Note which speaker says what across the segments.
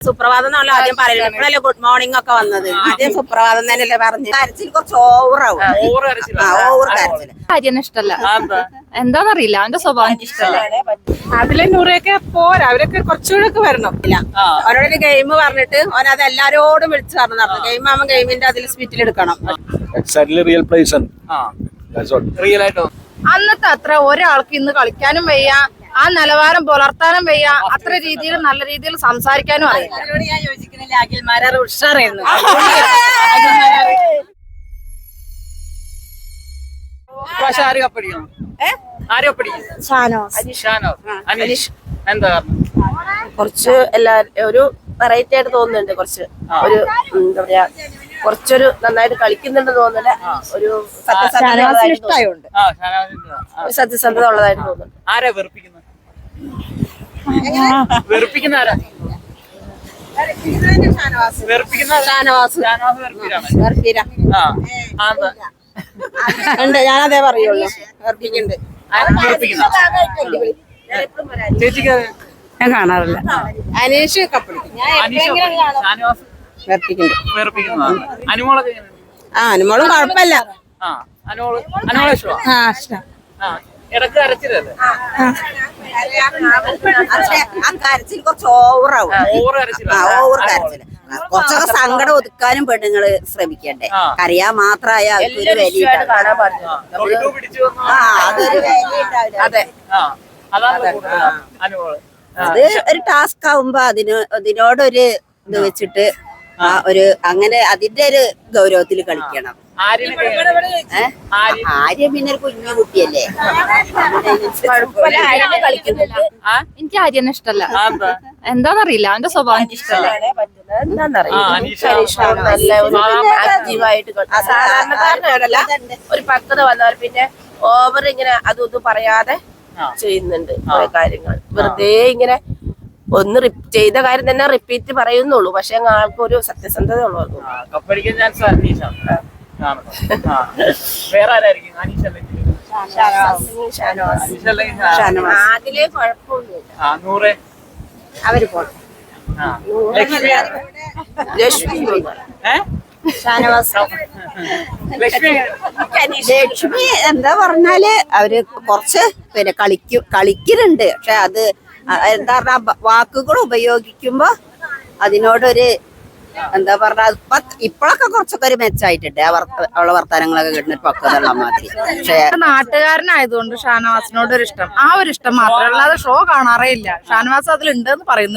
Speaker 1: സുപ്രഭാതം എന്നുള്ള ആദ്യം പറയുന്നത് ഇപ്പോഴല്ലേ ഗുഡ് മോർണിംഗ് ഒക്കെ വന്നത്. ആദ്യം സുപ്രഭാതം തന്നെയല്ലേ പറഞ്ഞു. കരച്ചിൽ കുറച്ച് ഓവറാവും. ഓവർ കരച്ചിൽ
Speaker 2: കാര്യം ഇഷ്ടല്ല. എന്താന്നറിയില്ല, അവന്റെ സ്വഭാവം എനിക്ക് ഇഷ്ടമല്ല.
Speaker 3: അതിലെ നൂറൊക്കെ പോരാ, അവരൊക്കെ കുറച്ചുകൂടെ ഒക്കെ വരണം.
Speaker 1: അവരോടൊരു ഗെയിം പറഞ്ഞിട്ട് അവൻ അത് എല്ലാരോടും വിളിച്ചു പറഞ്ഞു നടന്നു. ഗെയിം ആവുമ്പോൾ ഗെയിമിന്റെ അതിൽ സ്പിറ്റിൽ എടുക്കണം.
Speaker 2: അന്നത്തെ അത്ര ഒരാൾക്ക് ഇന്ന് കളിക്കാനും വയ്യ, ആ നിലവാരം പുലർത്താനും വയ്യ, അത്ര രീതിയിൽ നല്ല രീതിയിൽ സംസാരിക്കാനും അറിയില്ല.
Speaker 1: ഞാൻ യോജിക്കുന്നില്ല. അഖിൽമാരാർ ഉഷാറായിരുന്നു.
Speaker 4: കുറച്ച് ഒരു വെറൈറ്റി ആയിട്ട് തോന്നുന്നുണ്ട്. കുറച്ച് ഒരു എന്താ പറയാ, കുറച്ചൊരു നന്നായിട്ട് കളിക്കുന്നുണ്ട് തോന്നുന്നുണ്ട്. ഒരു സത്യസന്ധത ഉള്ളതായിട്ട് തോന്നുന്നുണ്ട്.
Speaker 5: ആരാ വെറുപ്പിക്കുന്നത്? വെറുപ്പിക്കുന്ന ആരാ?
Speaker 1: ഞാനതേ പറയുള്ളൂ.
Speaker 5: ചേച്ചിക്ക്
Speaker 1: ഞാൻ കാണാറില്ല. അനീഷ് കപ്പടിക്കും.
Speaker 5: അനുമോളൊക്കെ
Speaker 1: അനുമോളും കുഴപ്പമില്ല.
Speaker 5: ഇടക്ക് അരച്ചില്ലല്ലേ?
Speaker 1: കരച്ചിൽ കുറച്ച് ഓവറാവും. ഓവർ കരച്ചിൽ. കുറച്ചൊക്കെ സങ്കടം ഒതുക്കാനും പെണ്ണുങ്ങള് ശ്രമിക്കണ്ടേ. കരയാൻ മാത്രമായ അതൊരു വലിയ
Speaker 4: അതെ,
Speaker 1: അത് ഒരു ടാസ്ക് ആവുമ്പോ അതിനോടൊരു ഇത് വെച്ചിട്ട് ഒരു അങ്ങനെ അതിന്റെ ഒരു ഗൗരവത്തിൽ കളിക്കണം. ആര്യ പിന്നെ ഒരു കുഞ്ഞു കുട്ടിയല്ലേ.
Speaker 2: എനിക്ക് ആര്യനെ ഇഷ്ടല്ല. എന്താന്നറിയില്ല, അവന്റെ സ്വഭാവം എനിക്ക് ഇഷ്ടമല്ല.
Speaker 4: ആക്റ്റീവായിട്ട് സാധാരണക്കാരനല്ല, ഒരു പക്വത വന്നവർ പിന്നെ ഓവർ ഇങ്ങനെ അതൊന്നും പറയാതെ ചെയ്യുന്നുണ്ട് കുറെ കാര്യങ്ങൾ. വെറുതെ ഇങ്ങനെ ഒന്ന് ചെയ്ത കാര്യം തന്നെ റിപ്പീറ്റ് പറയുന്നുള്ളൂ. പക്ഷെ ആൾക്ക് ഒരു സത്യസന്ധത ഉള്ളൂ. അതിലെ കുഴപ്പമൊന്നുമില്ല.
Speaker 1: അവര് പോണം. ലക്ഷ്മി എന്താ പറഞ്ഞാല് അവര് കുറച്ച് പിന്നെ കളിക്കുന്നുണ്ട്. പക്ഷെ അത് എന്താ പറഞ്ഞ വാക്കുകൾ ഉപയോഗിക്കുമ്പോ അതിനോടൊരു എന്താ പറഞ്ഞ ഇപ്പോഴൊക്കെ കുറച്ചൊക്കെ ഒരു മെച്ചായിട്ടുണ്ട്. അവളെ വർത്താനങ്ങളൊക്കെ കിട്ടുന്ന പക്വതയുള്ള മാതിരി. പക്ഷെ
Speaker 2: നാട്ടുകാരനായതുകൊണ്ട് ഷാനവാസിനോട് ഒരു ഇഷ്ടം, ആ ഒരു ഇഷ്ടം മാത്രം. അല്ലാതെ ഷോ കാണാറേ ഇല്ല. ഷാനവാസ് അതിലുണ്ടെന്ന് പറയുന്നു.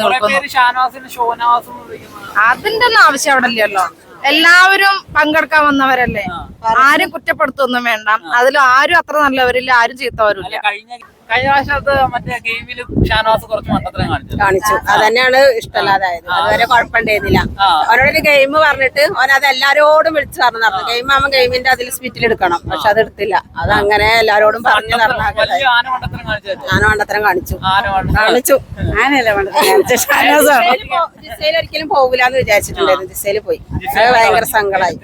Speaker 2: അതിന്റെ ഒന്നും ആവശ്യം അവിടെ ഇല്ലല്ലോ. എല്ലാവരും പങ്കെടുക്കാൻ വന്നവരല്ലേ. ആരും കുറ്റപ്പെടുത്തൊന്നും വേണ്ട. അതിൽ ആരും അത്ര നല്ലവരില്ല, ആരും ചീത്തവരില്ല.
Speaker 5: കഴിഞ്ഞ പ്രാവശ്യത്ത് മറ്റേ ഗെയിമിൽ ഷാനവാസ് കുറച്ച് മണ്ടത്തരം
Speaker 1: കാണിച്ചു. അതന്നെയാണ് ഇഷ്ടമല്ലാതായത്. അതുവരെ കുഴപ്പമുണ്ടായിരുന്നില്ല. അവരോടൊരു ഗെയിം പറഞ്ഞിട്ട് അവൻ അത് എല്ലാരോടും വിളിച്ചു പറഞ്ഞു നടന്നു. ഗെയിം ആവുമ്പോൾ ഗെയിമിന്റെ അതിൽ സ്പിറ്റിൽ എടുക്കണം. പക്ഷെ അത് എടുത്തില്ല. അത് അങ്ങനെ എല്ലാരോടും പറഞ്ഞു നടന്ന മണ്ടത്തരം കാണിച്ചു. ആനയല്ല മണ്ടത്തരം കാണിച്ചു. ജിസയിൽ ഒരിക്കലും പോകില്ലാന്ന് വിചാരിച്ചിട്ടുണ്ടായിരുന്നു. ജിസയിൽ പോയി. ഭയങ്കര സങ്കടമായി.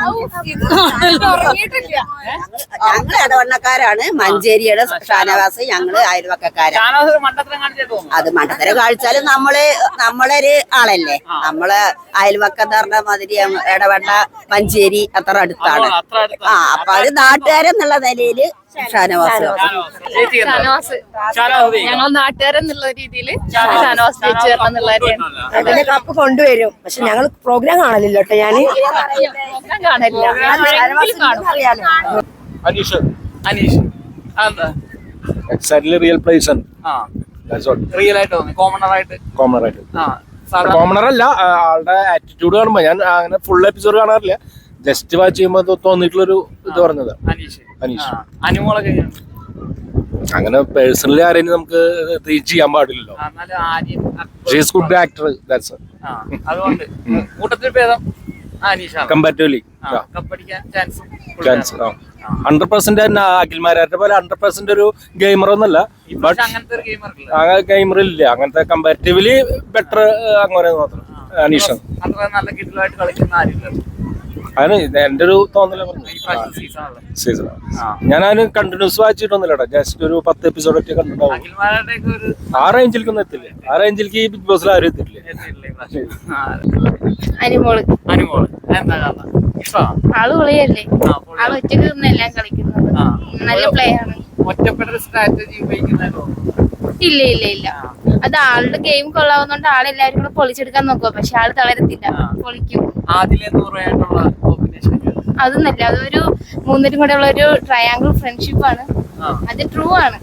Speaker 1: ഞങ്ങൾ ഇടവണ്ണക്കാരാണ്. മഞ്ചേരിയുടെ ഷാനവാസ് ഞങ്ങള് അയൽവക്കക്കാരാണ്. അത് മണ്ടത്തരം കാണിച്ചാലും നമ്മളൊരു ആളല്ലേ. നമ്മള് അയൽവക്കം എന്ന് പറഞ്ഞ മാതിരി ഇടവണ്ണ മഞ്ചേരി അത്ര അടുത്താണ്. അപ്പൊ അത് നാട്ടുകാരെന്നുള്ള നിലയില് ഷാനവാസ്
Speaker 2: ഞങ്ങൾ നാട്ടുകാരെന്നുള്ള രീതിയിൽ ഷാനവാസ് ജയിച്ചു തരണം എന്നുള്ള
Speaker 4: അതിന്റെ കപ്പ് കൊണ്ടുവരും. പക്ഷെ ഞങ്ങൾ പ്രോഗ്രാം കാണലില്ല കേട്ടോ. ഞാന്
Speaker 2: കാണില്ല.
Speaker 6: കോമണർ അല്ല, ആളുടെ ആറ്റിറ്റ്യൂഡ് കാണുമ്പോ ഞാൻ അങ്ങനെ ഫുൾ എപ്പിസോഡ് കാണാറില്ല. ജസ്റ്റ് വാച്ച് ചെയ്യുമ്പോ തോന്നിയിട്ടുള്ളൊരു ഇത് പറഞ്ഞത് അനീഷ്. അങ്ങനെ പേഴ്സണലി ആരെയും നമുക്ക് റീച്ച് ചെയ്യാൻ പാടില്ലല്ലോ. Good actor. കമ്പാരിറ്റീവ്ലി 100% അഖിൽമാരാരുടെ പോലെ 100% ഒരു ഗെയിമർ ഒന്നല്ല. ബട്ട് ഗെയിമർ ഇല്ല. അങ്ങനത്തെ കമ്പാരിറ്റീവ്ലി ബെറ്റർ അങ്ങനെ മാത്രം അനീഷ്. അതിന് എന്റെ ഒരു തോന്നല
Speaker 5: സീസണല്ലേ
Speaker 6: സീസൺ ഞാൻ അതിന് കണ്ടിന്യൂസ് വായിച്ചിട്ടൊന്നുമില്ലടാ, ജസ്റ്റ് ഒരു 10 എപ്പിസോഡ് ഒക്കെ കണ്ടിട്ടുണ്ടാവും.
Speaker 5: അഖിൽമാരുടെയൊക്കെ ഒരു
Speaker 6: ആ റേഞ്ചിലേക്കൊന്നും എത്തില്ലേ, ആ റേഞ്ചിലേക്ക് ഈ ബിഗ് ബോസിൽ ആരും എത്തില്ലേ.
Speaker 5: എത്തിയിട്ടില്ലേ ഈ പ്രാവശ്യം? ആ,
Speaker 2: അനിമോള്
Speaker 5: അനുമോള് എന്താ കാരണം ഇഷ്ടമാണ്?
Speaker 2: ആള് പൊളിയല്ലേ,
Speaker 5: ആ, പൊളി.
Speaker 2: ആള് ഒറ്റക്ക് നിന്ന് എല്ലാം കളിക്കുന്നത്,
Speaker 5: ആ.
Speaker 2: നല്ല പ്ലേ ആണ്.
Speaker 5: ഒറ്റപ്പെട്ട സ്ട്രാറ്റജി ഉപയോഗിക്കുന്നതോ?
Speaker 2: ഇല്ല ഇല്ല ഇല്ല, അത് ആളുടെ ഗെയിം കൊള്ളാവുന്നോണ്ട് ആളെല്ലാരും കൂടെ പൊളിച്ചെടുക്കാൻ നോക്കുക, പക്ഷെ ആള് തളരത്തില്ല, പൊളിക്കും.
Speaker 5: ആദിലെ നൂറായിട്ടുള്ള കോമ്പിനേഷൻ
Speaker 2: അതൊന്നല്ല, അതൊരു മൂന്നരും കൂടെ ഉള്ള ഒരു ട്രയാങ്കിൾ ഫ്രണ്ട്ഷിപ്പ് ആണ്, അത് ട്രൂ ആണ്.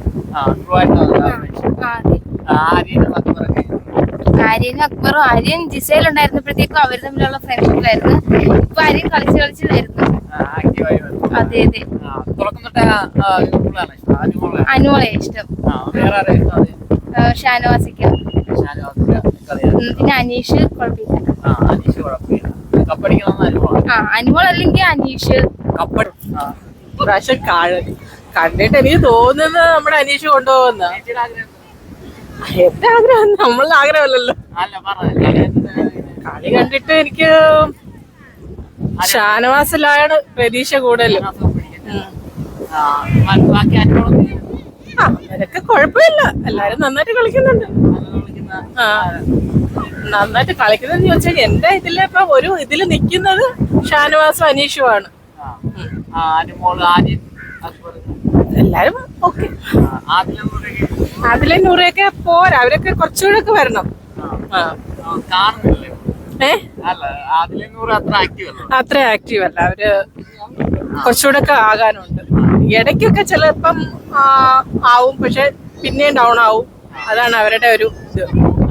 Speaker 2: ആര്യനും അക്ബറും, ആര്യൻ ജിസയിൽ ഉണ്ടായിരുന്നപ്പോഴത്തേക്കും അവർ തമ്മിലുള്ള ഫ്രണ്ട്ഷിപ്പിലായിരുന്നു. ഇപ്പൊ ആര്യൻ കളിച്ച് കളിച്ചില്ലായിരുന്നു. അതെ അതെ, അനുമോളെ ഇഷ്ടം, ഷാനവാസിക്ക്, പിന്നെ അനീഷ് കുഴപ്പമില്ല. അനുമോൾ അല്ലെങ്കിൽ അനീഷ്.
Speaker 3: പ്രാവശ്യം കണ്ടിട്ട് എനിക്ക് തോന്നുന്നത് നമ്മുടെ അനീഷ് കൊണ്ടുപോകുന്ന എന്റെ ആഗ്രഹം, നമ്മളുടെ ആഗ്രഹമല്ലല്ലോ. കളി കണ്ടിട്ട് എനിക്ക് ഷാനവാസിലാണ് പ്രതീക്ഷ കൂടുതലും. അവരൊക്കെ കുഴപ്പമില്ല, എല്ലാരും നന്നായിട്ട് കളിക്കുന്നുണ്ട്. നന്നായിട്ട് കളിക്കുന്നതെന്ന് ചോദിച്ചാൽ എന്റെ ഇതില് ഇപ്പൊ ഒരു ഇതില് നിക്കുന്നത് ഷാനവാസും അനീഷുമാണ്. എല്ലാരും ഓക്കെ. അതിലെ നൂറൊക്കെ പോരാ, അവരൊക്കെ കുറച്ചുകൂടെ ഒക്കെ വരണം. അത്ര ആക്റ്റീവ് അല്ല, അവര് കുറച്ചുകൂടെ ഒക്കെ ആകാനുണ്ട്. ഇടയ്ക്കൊക്കെ ചിലപ്പം ആവും, പക്ഷെ പിന്നെയും ഡൗൺ ആവും. അതാണ് അവരുടെ ഒരു ഇത്.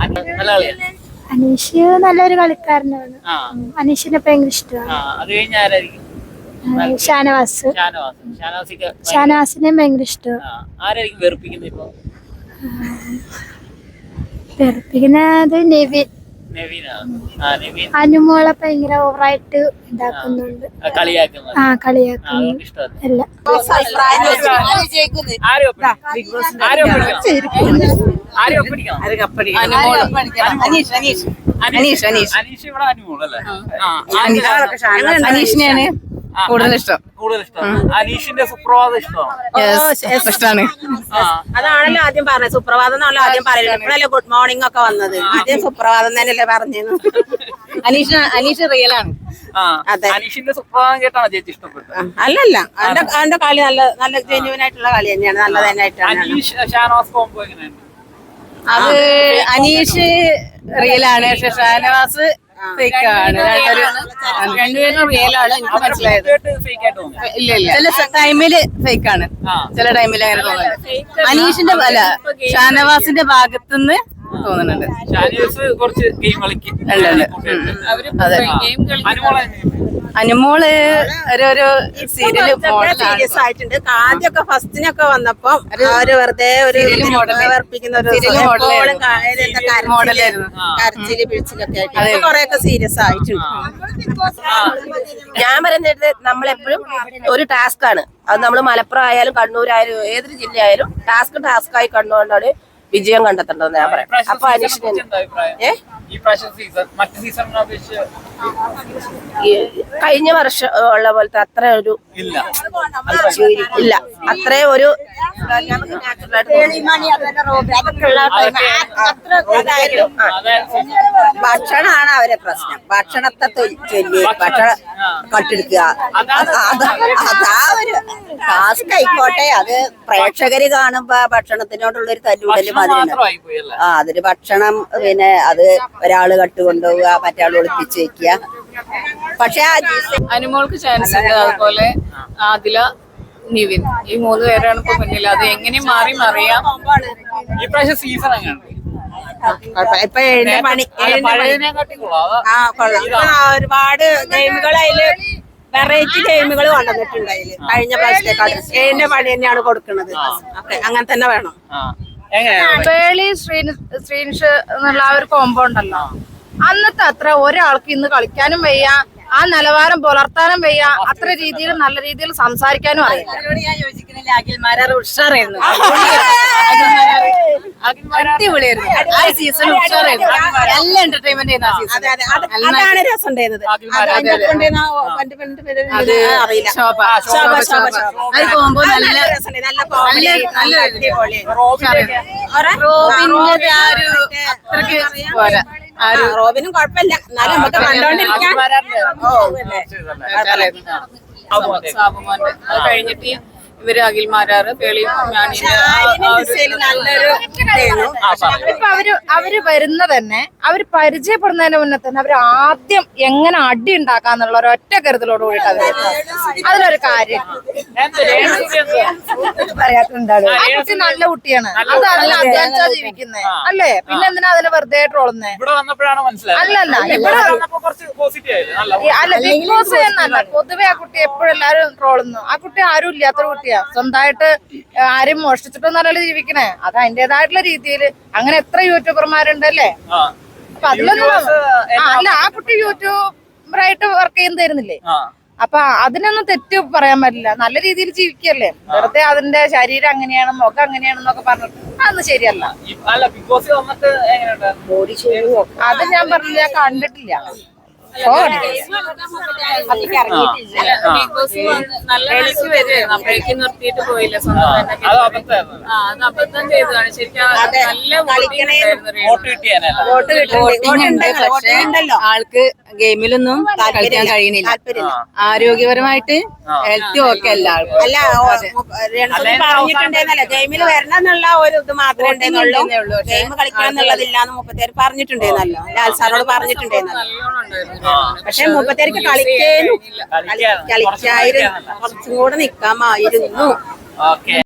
Speaker 7: അനീഷ് നല്ലൊരു കളിക്കാരനാണ്, അനീഷിനെ ഭയങ്കര ഇഷ്ടമാണ്. ഷാനവാസ്, ഷാനവാസിനെ ഭയങ്കര ഇഷ്ടമാണ്. വെറുപ്പിക്കുന്നത് നെവിൻ. അനുമോളെ ഭയങ്കര ഓവറായിട്ട് ഇതാക്കുന്നുണ്ട്, കളിയാക്കുന്നു എല്ലാം.
Speaker 3: അനീഷിനെയാണ് കൂടുതൽ ഇഷ്ടം.
Speaker 5: അനീഷിന്റെ സുപ്രഭാതം
Speaker 3: ഇഷ്ടമാണ്.
Speaker 1: അതാണല്ലോ ആദ്യം പറഞ്ഞത്, സുപ്രഭാതം എന്നാണല്ലോ ആദ്യം പറയുന്നത്. ഇപ്പോഴല്ലേ ഗുഡ് മോർണിംഗ് ഒക്കെ വന്നത്, ആദ്യം സുപ്രഭാതം തന്നെയല്ലേ പറഞ്ഞത്.
Speaker 3: അനീഷ് റിയലാണ്.
Speaker 1: അതെ,
Speaker 5: അനീഷിന്റെ സുപ്രഭാതം കേട്ടാണ് ചേച്ചി ഇഷ്ടപ്പെട്ടത്?
Speaker 1: അല്ലല്ല, അവന്റെ കളി നല്ല ജെന്യുവൻ ആയിട്ടുള്ള കളി തന്നെയാണ്, നല്ല തന്നെയായിട്ടാണ്.
Speaker 5: അനീഷ് ഷാനവാസ് കോംബോ എങ്ങനെയുണ്ട്?
Speaker 3: അത് അനീഷ് റിയലാണ്, പക്ഷെ ഷാനവാസ് ഫേക്കാണ്. രണ്ടുപേരും റിയലാണ്, എനിക്ക് മനസ്സിലായത്. ഇല്ല ഇല്ല, ചില ടൈമില് ഫേക്കാണ്, ചില ടൈമില് അങ്ങനെ തോന്നുന്നുണ്ട്. അനീഷിന്റെ അല്ല, ഷാനവാസിന്റെ ഭാഗത്തുനിന്ന് തോന്നുന്നുണ്ട്.
Speaker 5: ഷാനവാസ് കുറച്ച് ഗെയിം കളിക്കും.
Speaker 3: അതെ, അനുമോള് ഒരു സീരിയല്
Speaker 1: സീരിയസ് ആയിട്ടുണ്ട്. ആദ്യമൊക്കെ ഫസ്റ്റിനൊക്കെ വന്നപ്പോ അവര് വെറുതെ ഒരു വർപ്പിക്കുന്ന ഒരു കരച്ചില് പിടിച്ചിലൊക്കെ ആയിട്ട് കൊറേയൊക്കെ സീരിയസ് ആയിട്ടുണ്ട്.
Speaker 4: ഞാൻ പറയുന്നത് നമ്മളെപ്പോഴും ഒരു ടാസ്ക് ആണ് അത്. നമ്മൾ മലപ്പുറം ആയാലും കണ്ണൂരായാലും ഏതൊരു ജില്ലയായാലും ടാസ്ക് ആയി കണ്ടുകൊണ്ടാണ് വിജയം കണ്ടെത്തേണ്ടതെന്ന് ഞാൻ പറയാം. അപ്പൊ അനീഷിന് കഴിഞ്ഞ വർഷം ഉള്ള പോലത്തെ അത്ര ഒരു ഇല്ല, അത്ര ഒരു
Speaker 1: ഭക്ഷണമാണ് അവരെ പ്രശ്നം. ഭക്ഷണത്തെ ചൊല്ലി ഭക്ഷണം കട്ടെടുക്കുക, അതാ ഒരു ടാസ്ക് ആയിക്കോട്ടെ. അത് പ്രേക്ഷകര് കാണുമ്പോ ഭക്ഷണത്തിനോടുള്ളൊരു തല്ലുകൂടല് മാതിരി. അതിന് ഭക്ഷണം പിന്നെ അത് ഒരാള് കട്ടുകൊണ്ടുപോവുക, മറ്റാൾ ഒളിപ്പിച്ച് വെക്കുക. പക്ഷെ
Speaker 3: അനുമോൾക്ക് ചാൻസ് ഉണ്ട്, അതുപോലെ ആദില, നിവിൻ, ഈ 3 പേരാണ് ഇപ്പൊ മുന്നിൽ. അത് എങ്ങനെ മാറി മറിയാം.
Speaker 5: ഈ പ്രാവശ്യം സീസൺ അങ്ങനെയാണ്.
Speaker 1: ഇപ്പൊ ഒരുപാട് ഗെയിമുകൾ അതില് വെറൈറ്റി ഗെയിമുകൾ കൊണ്ടുവന്നിട്ടുണ്ട്. അതില് കഴിഞ്ഞ പ്രാവശ്യത്തെക്കാളും ഏഴിന്റെ പണി തന്നെയാണ് കൊടുക്കുന്നത്. അങ്ങനെ തന്നെ വേണം.
Speaker 2: പേളി ശ്രീനിഷ് എന്നുള്ള ആ ഒരു കോമ്പോ ഉണ്ടല്ലോ, അന്നത്തെ അത്ര ഒരാൾക്ക് ഇന്ന് കളിക്കാനും വയ്യ, ആ നിലവാരം പുലർത്താനും വയ്യ, അത്ര രീതിയിൽ നല്ല രീതിയിൽ സംസാരിക്കാനും അറിയാം.
Speaker 1: ഞാൻ യോജിക്കുന്നില്ല. അഖിൽമാരാർ ഉഷാറായിരുന്നു.
Speaker 5: അടിപൊളിയായിരുന്നു.
Speaker 1: ആ സീസൺ ഉഷാറായിരുന്നു. നല്ല എന്റർടൈൻമെന്റ് ആയിരുന്നു ആ സീസൺ. അതാണ് രസം ഉണ്ടായിരുന്നത്. അറിയില്ല. ശോഭ. അത് പോകുമ്പോ നല്ല റോബിന്റെ ആ ഒരു അത്രക്ക് പോരാ. റോബിനും കുഴപ്പമില്ല, എന്നാലും നമുക്ക് കണ്ടോണ്ടിരിക്കാൻ.
Speaker 5: സാബുമോന്റെ അത് കഴിഞ്ഞിട്ട് ഇവര് അഖിൽമാരാറ് പേളിയും
Speaker 1: നല്ലൊരു
Speaker 2: ഇപ്പൊ അവര് വരുന്ന തന്നെ അവര് പരിചയപ്പെടുന്നതിന് മുന്നേ തന്നെ അവര് ആദ്യം എങ്ങനെ അടി ഉണ്ടാക്കാന്നുള്ള ഒരു ഒറ്റ കരുതലോട് കൂടിയിട്ടാണ് അതിലൊരു കാര്യം പറയാത്തുണ്ടാകും. ആ കുട്ടി നല്ല കുട്ടിയാണ്, അത് അതിന് അധ്വാനിച്ചാ ജീവിക്കുന്നേ അല്ലേ, പിന്നെ എന്തിനാ അതിനെ വെറുതെ ട്രോളുന്നേ? അല്ലല്ല ഇവിടെ അല്ല ബിഗ് ബോസ് എന്നല്ല, പൊതുവെ ആ കുട്ടി എപ്പോഴും എല്ലാരും ട്രോളുന്നു. ആ കുട്ടി ആരും ഇല്ലാത്തൊരു കുട്ടിയാ, സ്വന്തമായിട്ട് ആരും മോഷ്ടിച്ചിട്ടൊന്നല്ല ജീവിക്കണേ. അത് അതിന്റേതായിട്ടുള്ള രീതിയിൽ അങ്ങനെ എത്ര യൂട്യൂബർമാരുണ്ടല്ലേ. അപ്പൊ അതിലൊന്നും അല്ല, ആ കുട്ടി യൂട്യൂബറായിട്ട് വർക്ക് ചെയ്യുന്നതായിരുന്നില്ലേ. അപ്പൊ അതിനൊന്നും തെറ്റ് പറയാൻ പറ്റില്ല, നല്ല രീതിയിൽ ജീവിക്കല്ലേ. വെറുതെ അതിന്റെ ശരീരം അങ്ങനെയാണ് മുഖം അങ്ങനെയാണെന്നൊക്കെ പറഞ്ഞിട്ട് അതൊന്നും ശരിയല്ല. അത് ഞാൻ പറഞ്ഞില്ല, ഞാൻ കണ്ടിട്ടില്ല.
Speaker 5: അപ്പോഴേക്കും നിർത്തിയിട്ട് പോയില്ല, സ്വന്തം തന്നെ അത് അബദ്ധം ചെയ്തതാണ് ശരിക്കും.
Speaker 1: ആൾക്ക് ഗെയിമിലൊന്നും കളിക്കാൻ കഴിയണില്ല. ആരോഗ്യപരമായിട്ട് ഹെൽത്ത് ഒക്കെ അല്ല. അല്ല പറഞ്ഞിട്ടുണ്ടെന്നല്ല, ഗെയിമിൽ വരണം എന്നുള്ള ഒരു ഇത് മാത്രമേ ഉണ്ടെന്നുള്ളൂ. ഗെയിം കളിക്കണം എന്നുള്ളതില്ലാന്ന് മുപ്പത്തേര് പറഞ്ഞിട്ടുണ്ടെന്നല്ലോ, ലാൽ സാറോട് പറഞ്ഞിട്ടുണ്ടെന്നല്ലോ. പക്ഷെ മുപ്പത്തേർക്ക് കളിക്കായിരുന്നു, കുറച്ചും കൂടെ നിക്കാമായിരുന്നു.